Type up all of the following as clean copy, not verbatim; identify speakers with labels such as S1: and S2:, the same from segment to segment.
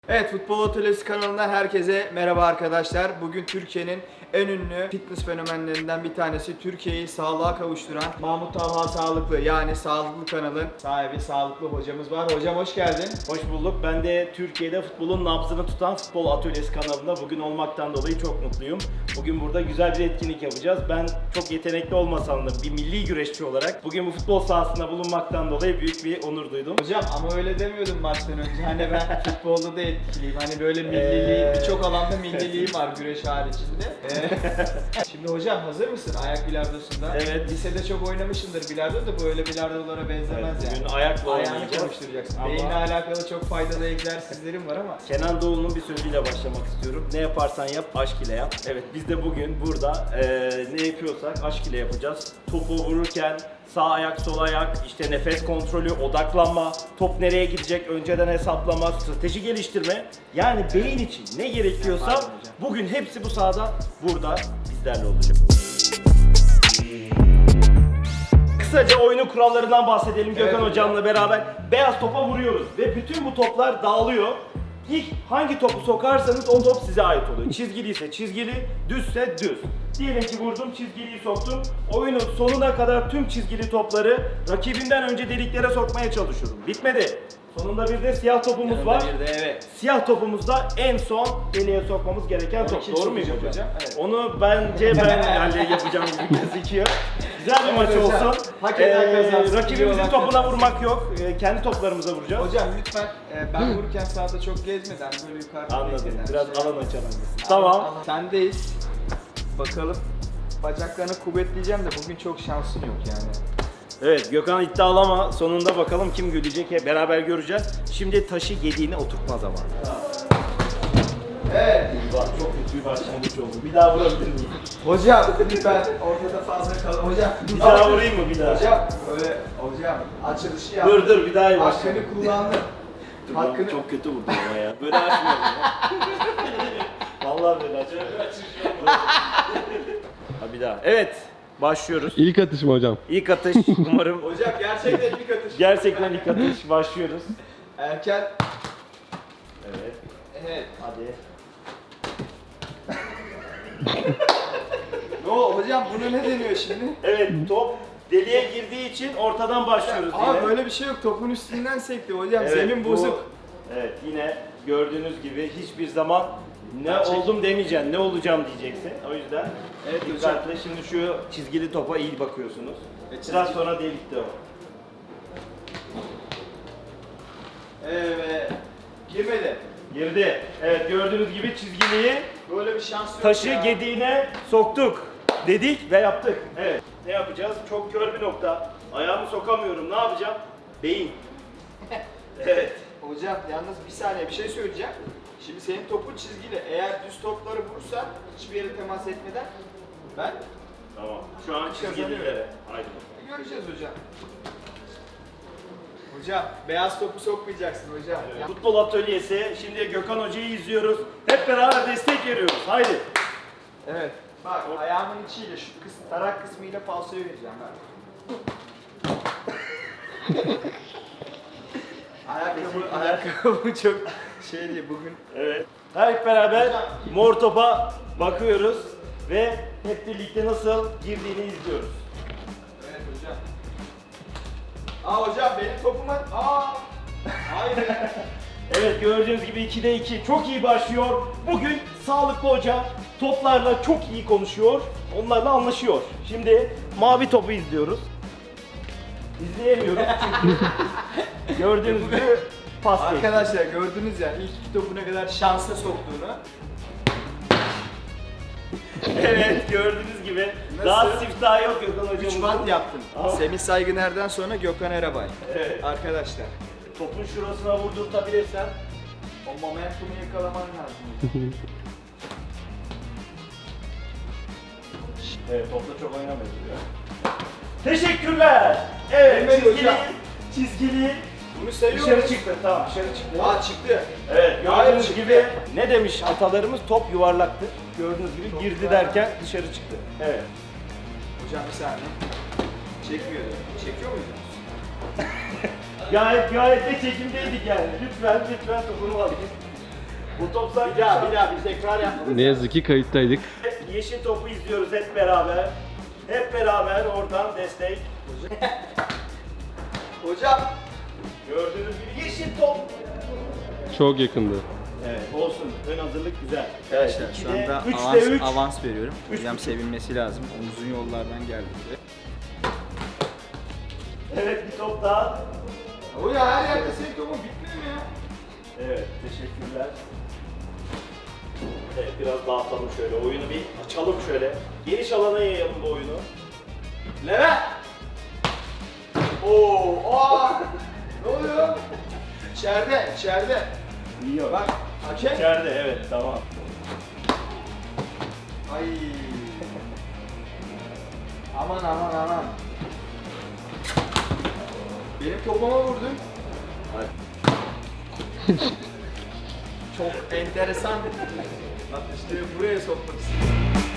S1: Evet, Futbol Atölyesi kanalından herkese merhaba arkadaşlar. Bugün Türkiye'nin en ünlü fitness fenomenlerinden bir tanesi, Türkiye'yi sağlığa kavuşturan Mahmut Talha Sağlıklı, yani Sağlıklı kanalın sahibi Sağlıklı hocamız var. Hocam hoş geldin.
S2: Hoş bulduk. Ben de Türkiye'de futbolun nabzını tutan Futbol Atölyesi kanalında bugün olmaktan dolayı çok mutluyum. Bugün burada güzel bir etkinlik yapacağız. Ben çok yetenekli olmasam da bir milli güreşçi olarak bugün bu futbol sahasında bulunmaktan dolayı büyük bir onur duydum.
S1: Hocam ama öyle demiyordum maçtan önce. Hani ben futbolda da etkiliyim. Hani böyle milliliğim, birçok alanda milliliğim var güreş haricinde. Şimdi hocam hazır mısın ayak bilardosunda?
S2: Evet.
S1: Lisede çok oynamışsındır bilardo da bu öyle bilardolara benzemez
S2: Evet,
S1: yani.
S2: bugün ayakla
S1: Ayağını
S2: oynayacağız.
S1: çalıştıracaksın.
S2: Ama-
S1: Beyinle alakalı çok faydalı egzersizlerim var ama.
S2: Kenan Doğulu'nun bir sözüyle başlamak istiyorum. Ne yaparsan yap, aşk ile yap. Evet, biz de bugün burada ne yapıyorsak aşk ile yapacağız. Topu vururken sağ ayak, sol ayak, işte nefes kontrolü, odaklanma, top nereye gidecek önceden hesaplama, strateji geliştirme. Yani beyin için ne gerekiyorsa
S1: Pardon hocam.
S2: bugün hepsi bu sahada burada bizlerle olacak. Kısaca oyunun kurallarından bahsedelim Gökhan
S1: hocam.
S2: hocamla beraber. Beyaz topa vuruyoruz ve bütün bu toplar dağılıyor. İlk hangi topu sokarsanız o top size ait oluyor. Çizgiliyse çizgili, düzse düz. Diyelim ki vurdum, çizgiliyi soktum. Oyunun sonuna kadar tüm çizgili topları rakibimden önce deliklere sokmaya çalışıyorum. Bitmedi. Sonunda bir de siyah topumuz var.
S1: Bir de evet.
S2: Siyah topumuzda en son deliğe sokmamız gereken
S1: Onu
S2: top.
S1: kim
S2: Doğru muyum
S1: sokacak
S2: hocam?
S1: hocam? Evet.
S2: Onu bence ben yapacağım gibi gözüküyor. Güzel bir maç
S1: Evet hocam.
S2: olsun.
S1: Hak eden kazansın.
S2: Rakibimizin
S1: İyi olan
S2: topuna
S1: kazansın.
S2: vurmak yok. Kendi toplarımıza vuracağız.
S1: Hocam lütfen ben vururken sahada çok gezmeden böyle yukarıda
S2: Anladım.
S1: bekleden
S2: Biraz
S1: şey-
S2: alan açalım. Tamam.
S1: Sendeyiz. Bakalım. Bacaklarını kuvvetleyeceğim de bugün çok şansın yok yani.
S2: Evet, Gökhan iddialı ama sonunda bakalım kim gülecek hep beraber göreceğiz. Şimdi taşı yediğine oturtma zamanı.
S1: Evet.
S2: Bak çok kötü bir başlangıç oldu. Bir daha vurabilir miyim?
S1: Hocam lütfen ortada fazla kal. Hocam
S2: Bir daha vurayım mı bir daha?
S1: Hocam öyle hocam açılışı yap.
S2: Dur bir daha iyi başla.
S1: Hakkını kullandın.
S2: Dur,
S1: Hakkını...
S2: Çok kötü vurdum ama ya. Böyle açmıyorum ya. Vallahi böyle açmıyorum. Ha bir daha. Evet. Başlıyoruz.
S3: İlk atış mı hocam?
S2: İlk atış. Umarım
S1: Hocam gerçekten ilk atış.
S2: gerçekten ilk atış. Başlıyoruz.
S1: Erken.
S2: Evet.
S1: Evet.
S2: Hadi.
S1: Ne o hocam buna ne deniyor şimdi?
S2: Evet, top deliğe girdiği için ortadan başlıyoruz yine.
S1: Aa böyle bir şey yok. Topun üstünden sekti hocam.
S2: Evet,
S1: Zemin
S2: bu-
S1: bozuk.
S2: Evet, yine gördüğünüz gibi hiçbir zaman ne
S1: Gerçek.
S2: oldum demeyeceksin, ne olacağım diyeceksin. O yüzden
S1: Evet hocam.
S2: dikkatli. Şimdi şu çizgili topa iyi bakıyorsunuz. Biraz sonra delikte o.
S1: Evet. Girmedi.
S2: Girdi. Evet, gördüğünüz gibi çizgiliyi
S1: Böyle bir şans yok
S2: taşı
S1: ya.
S2: gediğine soktuk. Dedik ve yaptık. Evet. Ne yapacağız? Çok kör bir nokta. Ayağımı sokamıyorum. Ne yapacağım? Beyin. Evet.
S1: Hocam yalnız bir saniye bir şey söyleyeceğim. Şimdi senin topun çizgili. Eğer düz topları vurursan hiçbir yere temas etmeden ben
S2: Tamam. Şu an çizgililere. Haydi.
S1: göreceğiz hocam. Hocam beyaz topu sokmayacaksın hocam. Ya-
S2: Futbol atölyesi. Şimdi Gökhan Hoca'yı izliyoruz. Hep beraber destek veriyoruz. Haydi.
S1: Evet. Bak ayağımın içiyle şu tarak kısmıyla falsoya vereceğim ben. ayakkabı çok şey değil bugün.
S2: Evet. Hep beraber
S1: Hocam.
S2: mor topa bakıyoruz ve hep birlikte nasıl girdiğini izliyoruz.
S1: Evet hocam. Aa hocam benim topuma... Aa! Hayır ya.
S2: Evet, gördüğünüz gibi 2'de 2 çok iyi başlıyor. Bugün Sağlıklı Hoca toplarla çok iyi konuşuyor. Onlarla anlaşıyor. Şimdi mavi topu izliyoruz. İzleyemiyoruz çünkü gördüğünüz gibi pas geçti.
S1: Arkadaşlar gördünüz ya ilk iki topu ne kadar şansa soktuğunu.
S2: Evet, gördüğünüz gibi
S1: Nasıl?
S2: daha siftah yok Gökhan Hoca'mızın.
S1: 3 bant yaptım.
S2: Aa.
S1: Semih Saygıner'den sonra Gökhan Erabay.
S2: Evet.
S1: Arkadaşlar
S2: Topun şurasına vurdurtabilirsen.
S1: o momentumu yakalaman lazım.
S2: Evet, topla çok oynamıyoruz ya. Teşekkürler. Evet,
S1: Mehmet hocam.
S2: çizgili
S1: Bunu seviyorum.
S2: dışarı çıktı. Tamam, dışarı çıktı.
S1: Aa çıktı.
S2: Evet,
S1: Hayır,
S2: gördüğünüz
S1: çıktı.
S2: gibi ne demiş atalarımız? Top yuvarlaktır. Gördüğünüz gibi
S1: Top
S2: girdi
S1: yuvarlak.
S2: derken dışarı çıktı. Evet.
S1: Hocam bir saniye. Çekmiyor. Çekiyor muydu?
S2: Gayet de çekimdeydik yani. Lütfen topunu alayım. Bu top sanki
S1: Bir daha bir tekrar yapalım.
S3: Ne yazık ki kayıttaydık.
S2: yeşil topu izliyoruz hep beraber. Hep beraber oradan destek.
S1: Hocam.
S2: Gördüğünüz gibi yeşil top.
S3: Çok yakındı.
S2: Evet olsun. Ön hazırlık güzel.
S1: Arkadaşlar
S2: Evet,
S1: şu
S2: 2'de,
S1: anda
S2: 3'te 3.
S1: avans veriyorum.
S2: Üç
S1: Hocam
S2: buçuk.
S1: sevinmesi lazım. Uzun yollardan geldi.
S2: Evet bir top daha.
S1: Hocam her yerde senin topun bitmiyor mu ya?
S2: Evet teşekkürler. Evet biraz dağıtalım şöyle oyunu bir açalım şöyle. Geniş alana yayalım bu oyunu.
S1: Levent! Oo! Aa! Ne oluyor? İçeride.
S2: Yiyor.
S1: Bak, hakem.
S2: İçeride evet tamam.
S1: Ay. Aman. Benim topuma vurdun. Çok enteresan. Bak işte buraya sokmak istedim.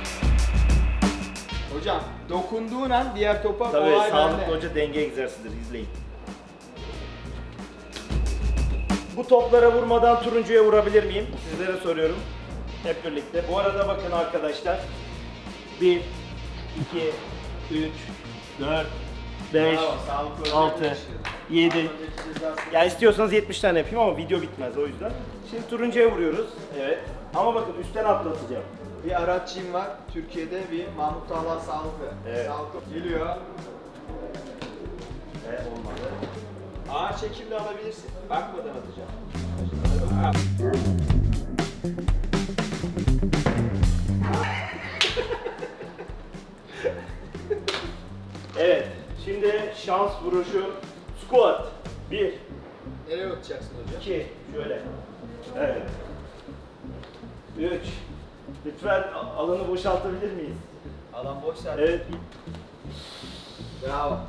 S1: Hocam dokunduğun an diğer topa
S2: Tabii
S1: olay
S2: sağlıklı
S1: bende.
S2: hoca denge egzersizidir izleyin. Bu toplara vurmadan turuncuya vurabilir miyim? Sizlere soruyorum. Hep birlikte. Bu arada bakın arkadaşlar. 1, 2, 3, 4, 5,
S1: Bravo, sağlıklı hoca
S2: 6,
S1: yakışır.
S2: 7. Ya istiyorsanız 70 tane yapayım ama video bitmez o yüzden. Şimdi turuncuya vuruyoruz. Evet. Ama bakın üstten atlatacağım.
S1: Bir araççıyım var. Türkiye'de bir Mahmut Talha sağlıklı.
S2: Evet.
S1: Sağlıklı. Geliyor.
S2: Evet olmadı.
S1: Ağır çekimle alabilirsin. Bakmadan atacağım.
S2: Evet. Şimdi şans vuruşu. Squat. 1,
S1: Nereye atacaksın hocam?
S2: 2, şöyle. Evet. 3. Lütfen alanı boşaltabilir miyiz?
S1: Alan boş zaten.
S2: Evet.
S1: Bravo.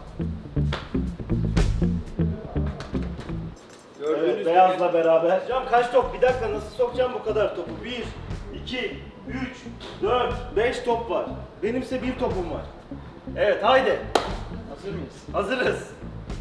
S1: Gördüğünüz
S2: Evet,
S1: gibi
S2: beyazla beraber. Hocam kaç top? Bir dakika nasıl sokacağım bu kadar topu? 1, 2, 3, 4, 5 top var. Benimse bir topum var. Evet haydi.
S1: hazır mıyız?
S2: Hazırız.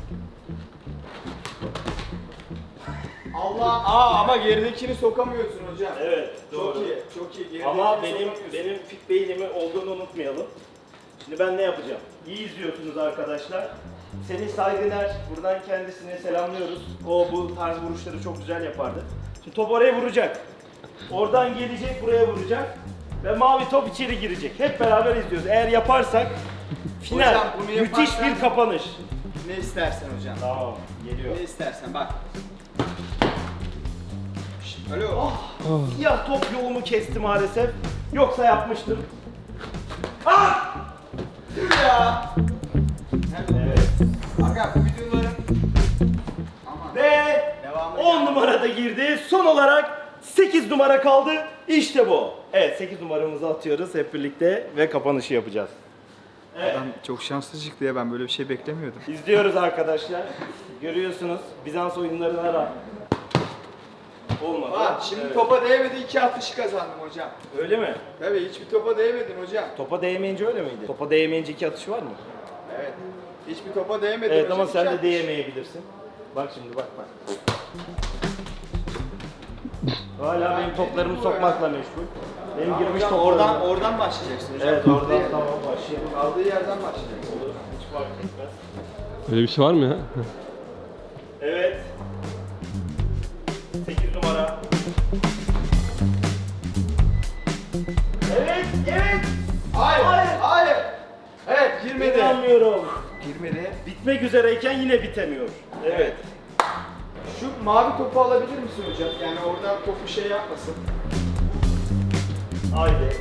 S1: Allah! Ama geridekini sokamıyorsun hocam.
S2: Evet
S1: Çok
S2: doğru.
S1: iyi, çok iyi. Geridekini
S2: Ama benim
S1: sokamıyorsun.
S2: fit beynimi olduğunu unutmayalım. Şimdi ben ne yapacağım? İyi izliyorsunuz arkadaşlar. Semih Saygıner, buradan kendisine selamlıyoruz. O bu tarz vuruşları çok güzel yapardı. Şimdi top oraya vuracak. Oradan gelecek, buraya vuracak. Ve mavi top içeri girecek. Hep beraber izliyoruz. Eğer yaparsak final,
S1: Hocam bunu
S2: müthiş
S1: yaparsan-
S2: bir kapanış.
S1: Ne istersen hocam.
S2: Tamam, geliyor.
S1: Ne istersen bak. Alo.
S2: Siyah top yolumu kesti maalesef. Yoksa yapmıştım. Ah!
S1: Dur ya.
S2: Evet.
S1: Aga bu videoların aman.
S2: Ve
S1: Devamı
S2: 10
S1: geldi.
S2: numarada girdi. Son olarak 8 numara kaldı. İşte bu. Evet 8 numaramızı atıyoruz hep birlikte ve kapanışı yapacağız. Evet.
S1: Adam çok şanslı çıktı ya, ben böyle bir şey beklemiyordum.
S2: İzliyoruz arkadaşlar. Görüyorsunuz Bizans oyunlarına rağmen. Olmadı.
S1: Bak şimdi
S2: Evet.
S1: topa değmedi, 2 atışı kazandım hocam.
S2: Öyle mi?
S1: Tabii hiçbir topa değmedin hocam.
S2: Topa değmeyince öyle miydi? Topa değmeyince 2 atış var mı?
S1: Evet. Hiçbir topa değmedin
S2: Evet
S1: hocam.
S2: ama sen
S1: iki
S2: de
S1: atış.
S2: değemeyebilirsin. Bak şimdi bak. Hala benim toplarımı sokmakla meşgul. Benim
S1: Tamam
S2: girmiş
S1: hocam,
S2: toplarım.
S1: oradan başlayacaksın hocam.
S2: Evet
S1: Kaldığı
S2: oradan
S1: yer-
S2: tamam başlayalım.
S1: Kaldığı yerden başlayacaksın.
S2: Olur. Hiç fark etmez.
S3: Öyle bir şey var mı ya?
S2: Evet. 8 numara. Evet, evet.
S1: Hayır. Evet, girmedi.
S2: İnanmıyorum.
S1: Girmedi.
S2: Bitmek üzereyken yine bitemiyor. Evet.
S1: Şu mavi topu alabilir misin hocam? Yani orada topu şey yapmasın.
S2: Haydi.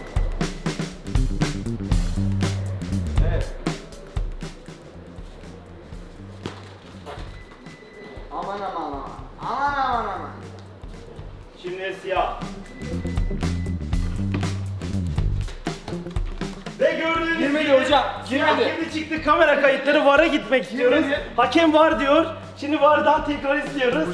S1: Evet. Aman.
S2: Şimdi siyah. Ve gördüğünüz
S1: Girmedi
S2: gibi
S1: hocam,
S2: siyah
S1: girmedi.
S2: girdi çıktı. Kamera kayıtları VAR'a gitmek istiyoruz.
S1: Girmedi.
S2: Hakem VAR diyor. Şimdi VAR'dan tekrar istiyoruz.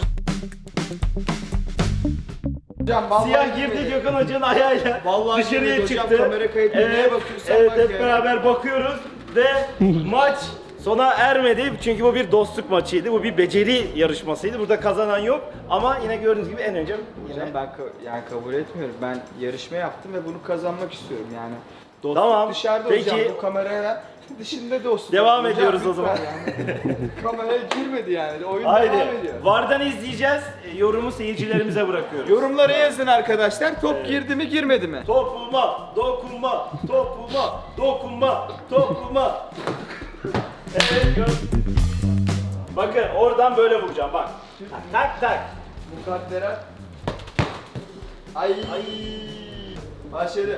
S1: Hocam vallahi
S2: Siyah girdi Gökhan Hoca'nın ayağıyla
S1: Vallahi
S2: dışarıya
S1: girmedi hocam,
S2: çıktı.
S1: kamera kayıtına neye bakıyorsan
S2: evet
S1: bak
S2: hep
S1: ya.
S2: beraber bakıyoruz ve maç Sona ermedi çünkü bu bir dostluk maçıydı. Bu bir beceri yarışmasıydı. Burada kazanan yok ama yine gördüğünüz gibi en önce
S1: Hocam ben yani kabul etmiyorum. Ben yarışma yaptım ve bunu kazanmak istiyorum yani. Dostluk
S2: Tamam,
S1: dışarıda
S2: peki.
S1: hocam, bu kameraya dışında dostluk.
S2: Devam
S1: Hocam,
S2: ediyoruz o
S1: lütfen
S2: zaman.
S1: Yani. Kameraya girmedi yani. Oyun devam
S2: Haydi.
S1: ediyor.
S2: Vardan izleyeceğiz. Yorumu seyircilerimize bırakıyoruz.
S1: Yorumlara yazın arkadaşlar. Top girdi mi girmedi mi?
S2: Topuma, dokunma, topuma, dokunma, topuma. Evet gör. Bakın oradan böyle vuracağım bak. Tak tak.
S1: Mukadderat. Ay. Başladı.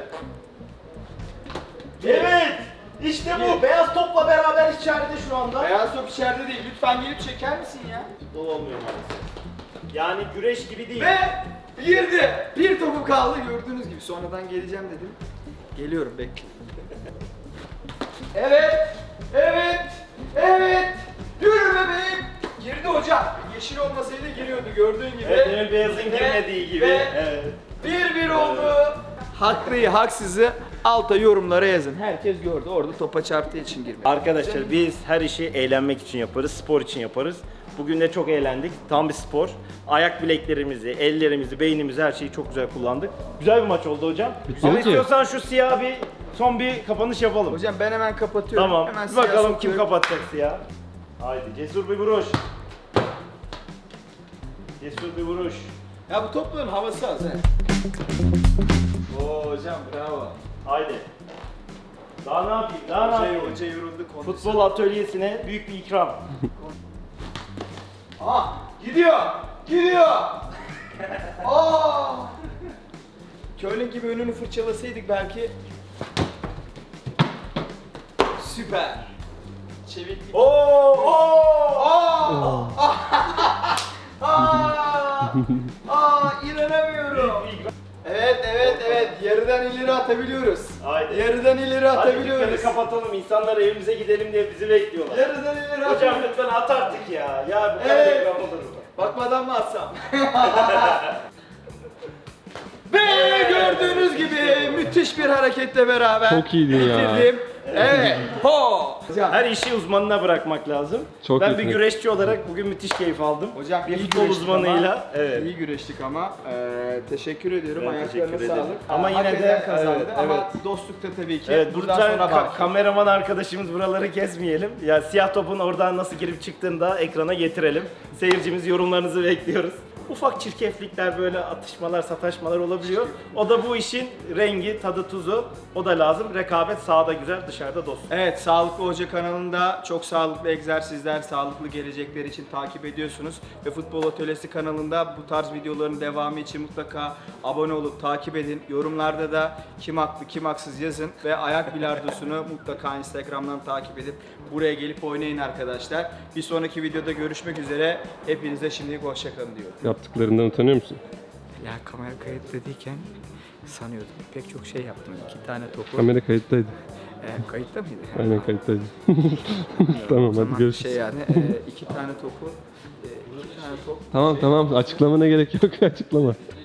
S2: Evet. İşte bu. Beyaz topla beraber içeride şu anda.
S1: Beyaz top içeride değil. Lütfen gelip çeker misin ya?
S2: Futbol olmuyor maalesef. Yani güreş gibi değil.
S1: Ve girdi. Bir topum kaldı gördüğünüz gibi. Sonradan geleceğim dedim. Geliyorum bekle. Evet. Evet. Evet. Yürü bebeğim. Girdi hocam. Yeşil olmasaydı giriyordu gördüğün gibi.
S2: Evet, Emir Beyaz'ın
S1: Ve-
S2: girmediği gibi.
S1: ve
S2: Evet.
S1: 1-1 oldu. Haklıyı haksızı alta yorumlara yazın. Herkes gördü orada topa çarptığı için girmedi.
S2: Arkadaşlar biz her işi eğlenmek için yaparız, spor için yaparız. Bugün de çok eğlendik. Tam bir spor. Ayak bileklerimizi, ellerimizi, beynimizi her şeyi çok güzel kullandık. Güzel bir maç oldu hocam.
S3: Bitti
S2: Ama
S3: ki.
S2: istiyorsan şu siyah bir son bir kapanış yapalım.
S1: Hocam ben hemen kapatıyorum.
S2: Tamam.
S1: Hemen
S2: Bir bakalım
S1: siyah
S2: kim
S1: sokuyorum.
S2: kapatacak siyah. Haydi cesur bir vuruş. Cesur bir vuruş.
S1: Ya bu topların havası az he. Oo hocam bravo.
S2: Haydi. Daha ne yapayım? Daha ne yapayım?
S1: Hoca yoruldu kondisyon.
S2: Futbol atölyesine büyük bir ikram.
S1: Aa gidiyor. Gidiyor. Aa. Curling gibi önünü fırçalasaydık belki. Süper. Çeviklik.
S2: Oo!
S1: Aa! Aa! İnanamıyorum. Evet. Yarıdan ileri atabiliyoruz.
S2: Haydi.
S1: Yarıdan ileri
S2: Hadi
S1: atabiliyoruz.
S2: dükkanı kapatalım. İnsanlar evimize gidelim diye bizi bekliyorlar.
S1: Yarıdan ileri
S2: Hocam
S1: atabiliyoruz.
S2: lütfen at artık ya. Ya bu kadar
S1: Evet.
S2: reklam olur mu?
S1: Bakmadan mı atsam? Ve gördüğünüz gibi müthiş bir hareketle beraber
S3: Çok iyiydin ya.
S1: bitirdim. Evet. Ho! Hocam,
S2: Her işi uzmanına bırakmak lazım.
S3: Çok
S2: ben bir
S3: iyisin.
S2: güreşçi olarak bugün müthiş keyif aldım.
S1: hocam
S2: bir
S1: iyi
S2: futbol
S1: güreştik
S2: uzmanıyla.
S1: ama,
S2: Evet.
S1: iyi güreştik ama teşekkür ediyorum.
S2: Ben
S1: Ayaklarına
S2: teşekkür
S1: sağlık.
S2: ederim. Ama yine
S1: Hak
S2: de,
S1: eden kazandı
S2: evet,
S1: ama
S2: evet.
S1: dostlukta tabii ki.
S2: Evet,
S1: buradan
S2: lütfen
S1: sonra bak.
S2: kameraman arkadaşımız buraları kesmeyelim. Ya siyah topun oradan nasıl girip çıktığını da ekrana getirelim. Seyircimiz yorumlarınızı bekliyoruz. Ufak çirkeflikler böyle atışmalar, sataşmalar olabiliyor. O da bu işin rengi, tadı, tuzu. O da lazım. Rekabet sahada güzel, dışarıda dost.
S1: Evet, Sağlıklı Hoca kanalında çok sağlıklı egzersizler, sağlıklı gelecekler için takip ediyorsunuz. Ve Futbol Atölyesi kanalında bu tarz videoların devamı için mutlaka abone olup takip edin. Yorumlarda da kim haklı, kim haksız yazın. Ve ayak bilardosunu mutlaka Instagram'dan takip edip buraya gelip oynayın arkadaşlar. Bir sonraki videoda görüşmek üzere. Hepinize şimdilik hoşçakalın diyorum.
S3: Yaptıklarından utanıyor musun?
S1: Ya kamera kayıtladıyken sanıyordum. Pek çok şey yaptım. 2 tane topu.
S3: Kamera kayıttaydı.
S1: Kayıtta mıydı?
S3: Aynen kayıttaydı. Tamam hadi
S1: Tamam,
S3: görüşürüz.
S1: şey yani 2 tane topu, 2 tane top.
S3: Tamam açıklamana gerek yok açıklama.